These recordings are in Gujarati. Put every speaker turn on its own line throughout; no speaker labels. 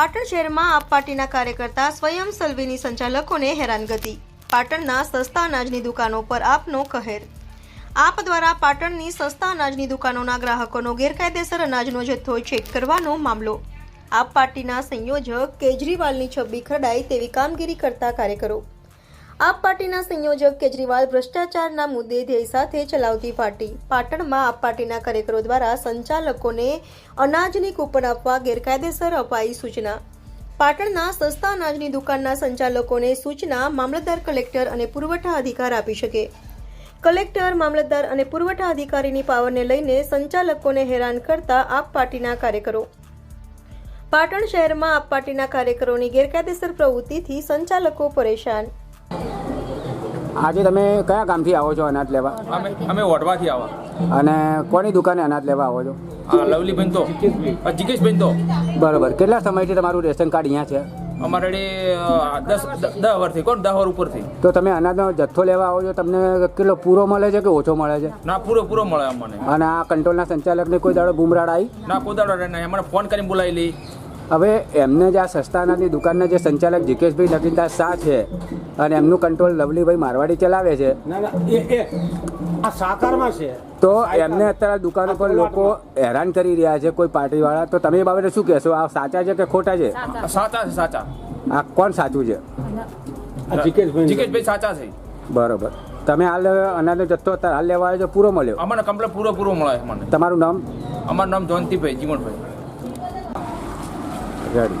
પાટણ શહેરમાં આપ પાર્ટીના કાર્યકર્તા સ્વયં સલવીની સંચાલકોને હેરાનગતિ। પાટણના સસ્તા અનાજની દુકાનો પર આપનો કહેર। આપ દ્વારા પાટણની સસ્તા અનાજની દુકાનોના ગ્રાહકોનો ગેરકાયદેસર અનાજનો જથ્થો ચેક કરવાનો મામલો। આપ પાર્ટીના સંયોજક કેજરીવાલની છબી ખરડાય તેવી કામગીરી કરતા કાર્યકરો। આપ પાર્ટીના સંયોજક કેજરીવાલ ભ્રષ્ટાચારના મુદ્દે ધ્યેય સાથે ચલાવતી પાર્ટી। પાટણમાં આપ પાર્ટીના કાર્યકરો દ્વારા સંચાલકોને અનાજની કૂપન આપવા ગેરકાયદેસર અપાઈ સૂચના। પાટણના સસ્તા અનાજની દુકાનના સંચાલકોને સૂચના મામલતદાર, કલેક્ટર અને પુરવઠા અધિકાર આપી શકે। કલેક્ટર, મામલતદાર અને પુરવઠા અધિકારીની પાવરને લઈને સંચાલકોને હેરાન કરતા આપ પાર્ટીના કાર્યકરો। પાટણ શહેરમાં આપ પાર્ટીના કાર્યકરોની ગેરકાયદેસર પ્રવૃત્તિથી સંચાલકો પરેશાન।
આજે તમે કયા ગામથી આવો છો અનાજ લેવા?
અમે વઢવાથી આવો।
અને કોની દુકાને અનાજ લેવા આવો છો?
લવલીબેન તો જીકેશબેન તો
બરાબર। કેટલા સમયથી તમારું રેશન કાર્ડ અહીંયા છે?
અમારે 10 વર્ષથી, કોણ 10 વર્ષ ઉપરથી।
તો તમે અનાજનો જથ્થો લેવા આવો છો, તમને કેટલો પૂરો મળે છે કે ઓછો મળે છે?
ના, પૂરો મળે અમને।
અને આ કંટ્રોલના સંચાલકને કોઈ દાડો બુમરાડ આવી?
ના, કોઈ દાડો નહીં, અમને ફોન કરીને બોલાવી લઈ।
હવે એમને જે આ સસ્તા અનાજની દુકાનના જે સંચાલક જીકેશભાઈ નગીનદાસ શાહ છે અને એમનું કંટ્રોલ લવલીભાઈ મારવાડી ચલાવે છે,
આ સાકારમાં છે,
તો એમને અત્યારે દુકાનો પર લોકો હેરાન કરી રહ્યા છે કોઈ પાર્ટીવાળા। તો તમે એ બાબતે શું કહેશો? આ સાચા છે કે ખોટા છે?
સાચા છે, સાચા।
આ કોણ સાચું છે?
જીકેશભાઈ સાચા છે।
બરોબર। તમે હાલ અનાજનો જથ્થો અત્યારે હાલ લેવા આવ્યો છો, પૂરો મળ્યો?
અમને કમ્પ્લેટ પૂરો મળે અમને।
તમારું નામ?
અમારું નામ જયંતિભાઈ જીવણભાઈ।
રેડી।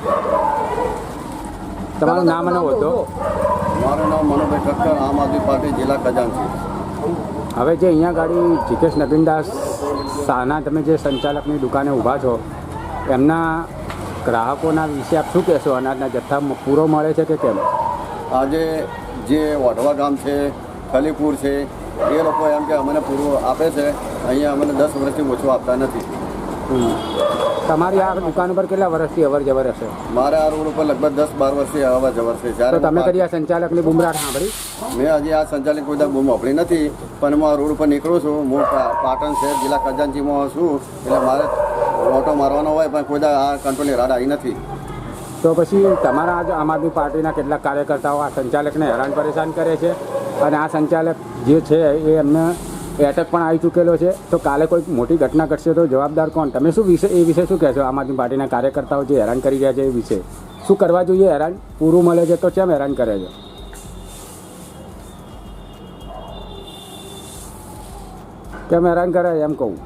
તમારું નામ અને હોદ્દો?
મારું નામ મનોભાઈ ઠક્કર, આમ આદમી પાર્ટી જિલ્લા ખજાનચી।
હવે જે અહીંયા ગાડી જીકેશ નગીનદાસ શાહના તમે જે સંચાલકની દુકાને ઊભા છો, એમના ગ્રાહકોના વિશે આપ શું કહેશો? અનાજના જથ્થામાં પૂરો મળે છે કે કેમ?
આજે જે વઢવા ગામ છે, ખલીપુર છે, એ લોકો એમ કે અમને પૂરું આપે છે, અહીંયા અમને 10 વર્ષથી ઓછું આપતા નથી।
તમારી આ દુકાન ઉપર કેટલા વર્ષથી અવર જવર હશે?
મારે આ રોડ ઉપર લગભગ 10-12 વર્ષથી અવર જવર છે।
તો તમે કદી આ સંચાલકની બુમરાટ સાંભળી?
મેં હજી આ સંચાલક કોઈ બૂમ વાપરી નથી, પણ હું આ રોડ ઉપર નીકળું છું। હું પાટણ શહેર જિલ્લા ખજાનચીમાં છું, એટલે મારે ઓટો મારવાનો હોય, પણ કોઈ આ કંટ્રોલની રાડ આવી નથી।
તો પછી તમારા આજ આમ આદમી પાર્ટીના કેટલાક કાર્યકર્તાઓ આ સંચાલકને હેરાન પરેશાન કરે છે અને આ સંચાલક જે છે એ એમને એટેક પણ આવી ચૂકેલો છે। તો કાલે કોઈ મોટી ઘટના ઘટશે તો જવાબદાર કોણ? તમે શું એ વિશે શું કહેશો? આમ આદમી પાર્ટીના કાર્યકર્તાઓ જે હેરાન કરી રહ્યા છે એ વિશે શું કરવા જોઈએ? હેરાન પૂરું મળે છે તો કેમ હેરાન કરે છે? કેમ હેરાન કરે એમ કહું?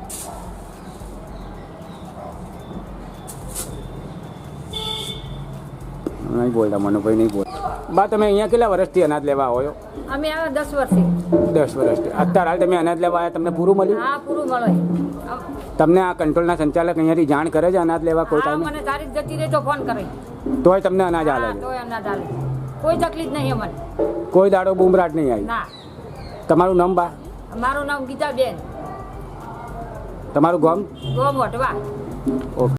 નહીં બોલતા મનોભાઈ, નહીં બોલ બા। તમે અહીંયા કેટલા વર્ષથી અનાજ લેવા આવો છો?
અમે આવે 10 વર્ષથી।
10 વર્ષથી। અત્યારે હાલ તમે અનાજ લેવા આવ્યા, તમને પૂરું મળ્યું?
હા, પૂરું મળે।
તમને આ કંટ્રોલના સંચાલક અહીંયાથી જાણ કરે છે અનાજ લેવા કોઈ
હા,
ટાઈમે?
મને તારીખ જતી રહે તો ફોન કરે,
તોય તમને અનાજ હાલે
હા,
છે?
તોય અનાજ હાલે, કોઈ તકલીફ નહીં અમને।
કોઈ દાડો બૂમરાટ નહીં આવી?
ના।
તમારું નામ બા?
મારું નામ ગીતાબેન,
તમારું ગામ?
ગોમ વઢવા।
ઓકે।